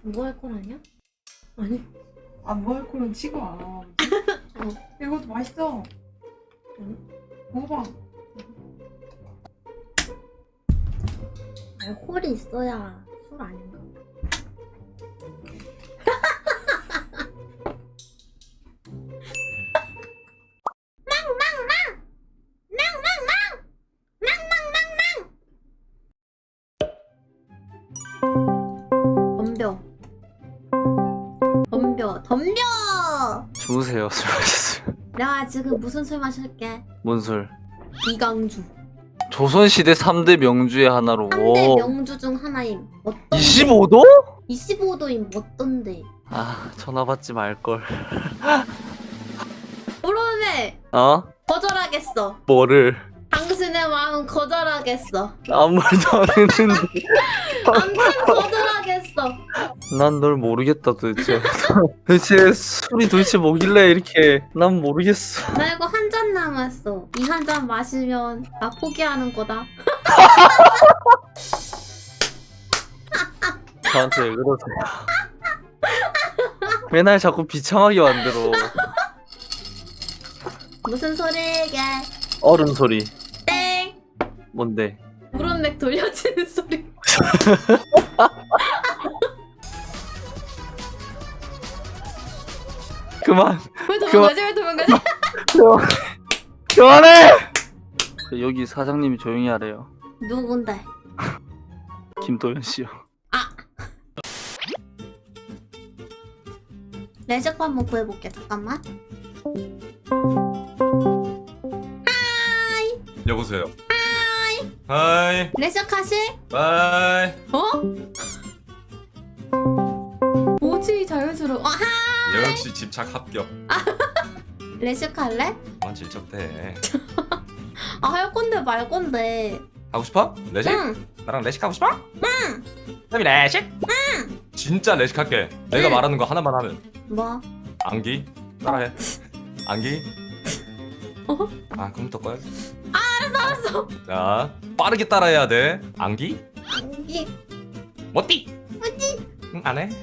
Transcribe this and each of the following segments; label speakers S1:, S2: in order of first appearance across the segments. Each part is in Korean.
S1: 뭐 할 건 아니야? 아니.
S2: 뭐 할 거는 치고 와. 이것도 맛있어. 먹어봐.
S1: 알코올이 있어야 술 아닌가? 덤벼!
S3: 주무세요. 술 마셨어요.
S1: 내가 지금 무슨 술 마실게?
S3: 뭔 술?
S1: 이강주.
S3: 조선시대 3대 명주의 하나로.
S1: 3대 명주 중 하나임. 어떤
S3: 25도?
S1: 25도임 어떤데?
S3: 아, 전화 받지 말걸.
S1: 그러네.
S3: 어?
S1: 거절하겠어.
S3: 뭐를?
S1: 당신의 마음 거절하겠어.
S3: 아무 말도 안 했는데.
S1: 아무튼 거절하겠어.
S3: 난 널 모르겠다 도대체. 도대체 술이 도대체 뭐길래 이렇게. 난 모르겠어.
S1: 나 이거 한 잔 남았어. 이 한 잔 마시면 나 포기하는 거다.
S3: 저한테 왜 그러세요? 맨날 자꾸 비참하게 만들어.
S1: 무슨 소리게?
S3: 어른 소리.
S1: 땡.
S3: 뭔데?
S1: 브론맥 돌려치는 소리.
S3: 그만.
S1: 왜 도망가지? 왜 도망가지?
S3: 그만해! 여기 사장님이 조용히 하래요.
S1: 누군데?
S3: 김도현 씨요.
S1: 레식 한번 구해볼게. 잠깐만.
S4: 여보세요. 하이.
S1: 레식 하실?
S4: 바이.
S1: 어? 뭐지 자연스러워. 하이.
S4: 역시 집착 합격.
S1: 레식 할래?
S4: 그만 질척대.
S1: 아 할 건데 말 건데.
S4: 하고 싶어? 레식?
S1: 응.
S4: 나랑 레식 하고 싶어? 응. 그럼 레식? 응. 진짜 레식 할게. 내가
S1: 응.
S4: 말하는 거 하나만 하면.
S1: 뭐?
S4: 안기? 따라해. 안기?
S1: 어?
S4: 아 컴퓨터 꺼야 돼.
S1: 알았어.
S4: 자 빠르게 따라해야 돼. 안기?
S1: 안기.
S4: 뭐띠?
S1: 뭐지?
S4: 응, 안 해?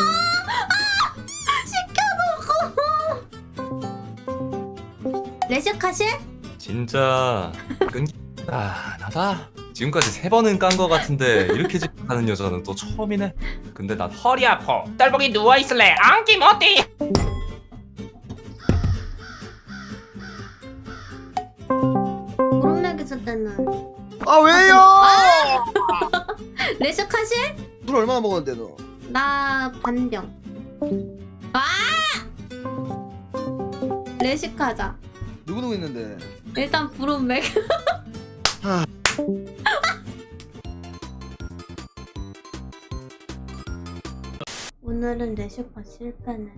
S1: 레식 하실?
S4: 진짜 끈기 나다. 지금까지 3번은 깐 거 같은데 이렇게 집착하는 여자는 또 처음이네. 근데 난 허리 아파. 딸보기 누워 있을래. 안기 뭐띠?
S1: 브론맥 있을 때는
S5: 아 왜요?
S1: 레식 하실?
S5: 술 얼마나 먹었는데 너?
S1: 나 반병. 아! 레식 하자.
S5: 누구 있는데?
S1: 일단 브론맥.
S5: 아.
S1: 오늘은 레식파 실패네.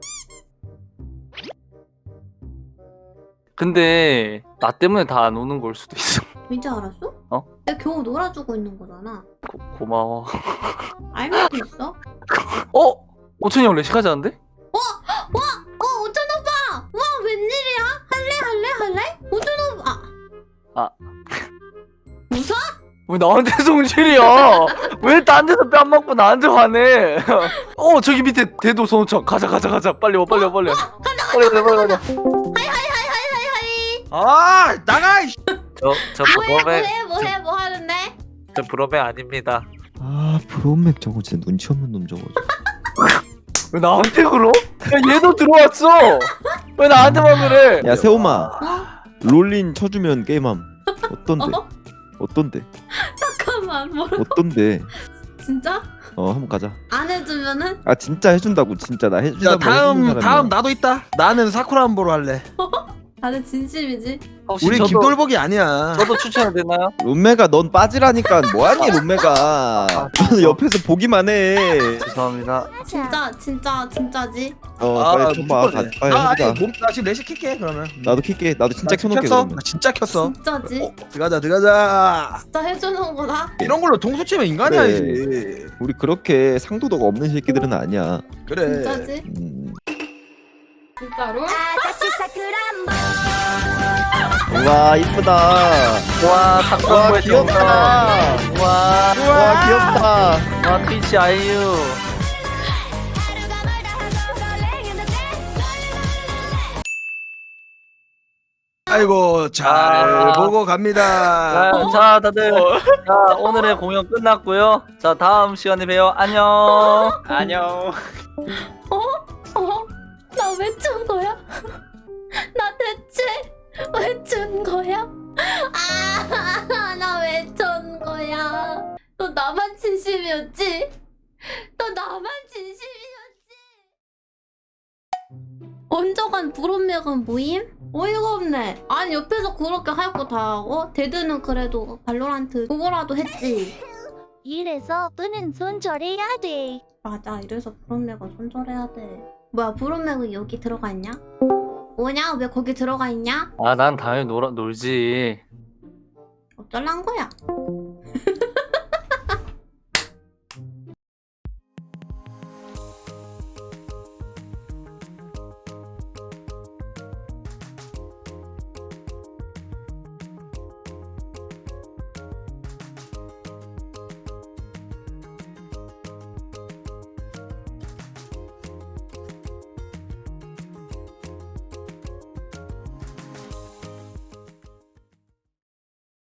S3: 근데 나 때문에 다 안 오는 걸 수도 있어.
S1: 이제 알았어?
S3: 어?
S1: 내가 겨우 놀아주고 있는 거잖아.
S3: 고마워.
S1: 알면서 있어?
S3: 어? 오천이 형 레식하지 않는데?
S1: 오천 오빠! 와 웬일이야? 할래? 오천 오빠! 웃어?
S3: 왜 나한테 성질이야? 왜 딴 데서 뺨 맞고 나한테 화내? 저기 밑에 대도 소노청 가자 빨리 와 빨리 와. 빨리 가자.
S1: 하이.
S5: 아 나가! 이씨.
S3: 저
S1: 뭐해? 뭐 하는데?
S3: 저 브로맨 아닙니다.
S6: 아 브롬맥 저거 진짜 눈치 없는 놈 저거.
S3: 왜 나한테 그러? 야 얘도 들어왔어. 왜 나한테만 그래?
S6: 야 세호마
S1: 어?
S6: 롤린 쳐주면 게임함. 어떤데? 어떤데?
S1: 잠깐만 뭐라?
S6: 어떤데?
S1: 진짜?
S6: 한번 가자.
S1: 안 해주면은?
S6: 아 진짜 해준다고 진짜 나
S5: 야
S6: 해준다고.
S5: 다음 나도 있다. 나는 사쿠라 안보로 할래.
S1: 다들 진심이지?
S3: 혹시
S5: 우리 김돌복이 아니야.
S3: 저도 추천이 되나요?
S6: 롬메가 넌 빠지라니까 뭐하니 롬메가. 저는 옆에서 보기만 해.
S3: 죄송합니다.
S1: 진짜지?
S6: 빨리 쳐봐. 빨리 해보자.
S5: 나 지금 레식 킬게 그러면.
S6: 나도 킬게. 나도 진짜 켜놓게
S5: 켰어?
S6: 그러면.
S5: 나 진짜 켰어.
S1: 진짜지?
S5: 들어가자.
S1: 진짜 해주는 거다?
S5: 이런 걸로 동수 치면 인간이
S6: 그래.
S5: 아니지.
S6: 우리 그렇게 상도덕 없는 새끼들은 아니야.
S5: 그래.
S1: 진짜지? 진짜로?
S6: 와 이쁘다.
S3: 와 탁구의
S6: 귀엽다.
S3: 와
S6: 와 귀엽다.
S3: 트위치 아이유.
S5: 아이고 잘
S3: 아.
S5: 보고 갑니다.
S3: 자, 다들 자, 오늘의 공연 끝났고요. 자, 다음 시간에 봬요. 안녕. 안녕.
S1: 나 왜 준 거야? 나 대체 왜 준 거야? 나 왜 준 거야? 너 나만 진심이었지? 너 나만 진심이었지? 언저간 불온매간 모임? 어이가 없네. 아니 옆에서 그렇게 할 거 다 하고 데드는 그래도 발로란트 그거라도 했지.
S7: 이래서 너는 손절해야 돼.
S1: 맞아, 이래서 불온매가 손절해야 돼. 뭐야, 불온매가 여기 들어가 있냐? 뭐냐? 왜 거기 들어가 있냐?
S3: 아, 난 당연히 놀지.
S1: 어쩔란 거야?